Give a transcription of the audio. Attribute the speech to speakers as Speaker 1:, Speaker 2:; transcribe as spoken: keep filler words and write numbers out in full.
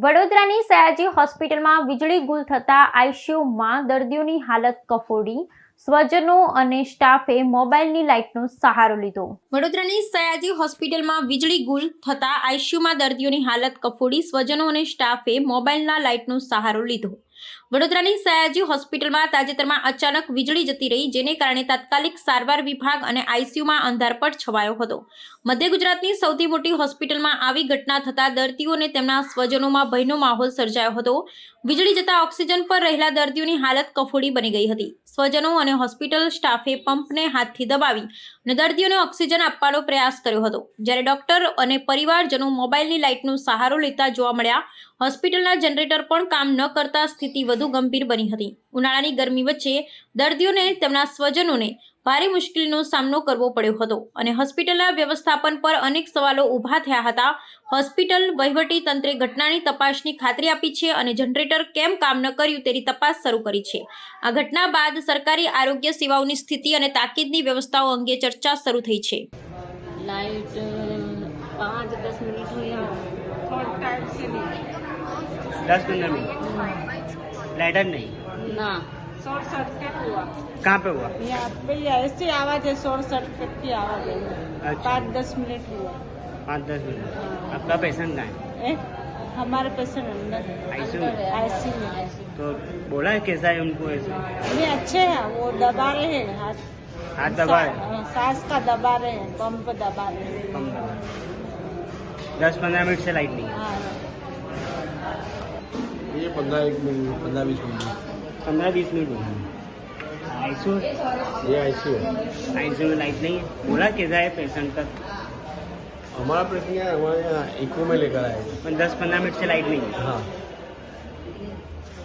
Speaker 1: વડોદરાની સયાજી હોસ્પિટલમાં વીજળી ગુલ થતા આઈસીયુમાં દર્દીઓની હાલત કફોડી, સ્વજનો અને સ્ટાફે મોબાઈલની લાઇટનો સહારો લીધો। વડોદરાની સયાજી હોસ્પિટલમાં વીજળી ગુલ થતા આઈસીયુમાં દર્દીઓની હાલત કફોડી, સ્વજનો અને સ્ટાફે મોબાઈલના લાઇટનો સહારો લીધો। વડોદરાની સયાજી હોસ્પિટલમાં તાજેતરમાં અચાનક વીજળી જતી રહી, જેને કારણે તાત્કાલિક સારવાર વિભાગ અને આઈસીયુમાં અંધારપટ છવાયો હતો। મધ્ય ગુજરાતની સૌથી મોટી હોસ્પિટલમાં આવી ઘટના થતા દર્દીઓ અને તેમના સ્વજનોમાં ભયનો માહોલ સર્જાયો હતો। વીજળી જતા ઓક્સિજન પર રહેલા દર્દીઓની હાલત કફોડી બની ગઈ હતી। સ્વજનો અને હોસ્પિટલ સ્ટાફે પંપને હાથથી દબાવી અને દર્દીઓને ઓક્સિજન આપવાનો પ્રયાસ કર્યો હતો, જ્યારે ડોક્ટર અને પરિવારજનો મોબાઈલની લાઇટનો સહારો લેતા જોવા મળ્યા। હોસ્પિટલના જનરેટર પણ કામ ન કરતા સ્થિતિ વધુ ગંભીર બની હતી। ઉનાળાની ગરમી વચ્ચે દર્દીઓને તેમના સ્વજનોને ભારે મુશ્કેલીનો સામનો કરવો પડ્યો હતો અને હોસ્પિટલના વ્યવસ્થાપન પર અનેક સવાલો ઊભા થયા હતા। હોસ્પિટલ વહીવટી તંત્રે ઘટનાની તપાસની ખાતરી આપી છે અને જનરેટર કેમ કામ ન કર્યું તેની તપાસ શરૂ કરી છે। આ ઘટના બાદ સરકારી આરોગ્ય સેવાઓની સ્થિતિ અને તાકીદની વ્યવસ્થાઓ અંગે ચર્ચા શરૂ થઈ છે।
Speaker 2: लाइट पाँच दस मिनट हुई है, थोड़ा टाइम से नहीं
Speaker 3: दस पंद्रह मिनट लाइट नहीं
Speaker 2: ना शॉर्ट सर्किट हुआ।
Speaker 3: कहाँ पे हुआ?
Speaker 2: यहाँ पे ऐसी आवाज है, शॉर्ट सर्किट की आवाज है।
Speaker 3: अच्छा।
Speaker 2: पाँच दस मिनट हुआ।
Speaker 3: पाँच दस मिनट आपका पेशेंट कहाँ है?
Speaker 2: ए, हमारे पेशेंट अंदर है,
Speaker 3: आईसीयू में?
Speaker 2: आईसीयू में।
Speaker 3: तो बोला है कैसा है उनको ऐसा?
Speaker 2: ये अच्छे हैं, वो दबा रहे हैं हाथ
Speaker 3: हाथ दबा रहे हैं?
Speaker 2: सा- सांस का दबा रहे हैं, पंप दबा रहे हैं।
Speaker 3: कम दबा। दस पंद्रह मिनट से लाइट नहीं है।
Speaker 2: हाँ,
Speaker 4: ये पंद्रह एक मिनट पंद्रह बीस मिनट
Speaker 3: पंद्रह बीस मिनट हुआ। आईसीयू
Speaker 4: ये आईसीयू है।
Speaker 3: आईसीयू में लाइट नहीं है। बोला कैसा है पेशेंट का?
Speaker 4: हमारा प्रश्न है, हमारे यहाँ इको में लेकर आए।
Speaker 3: दस पंद्रह मिनट से लाइट नहीं है।
Speaker 4: हाँ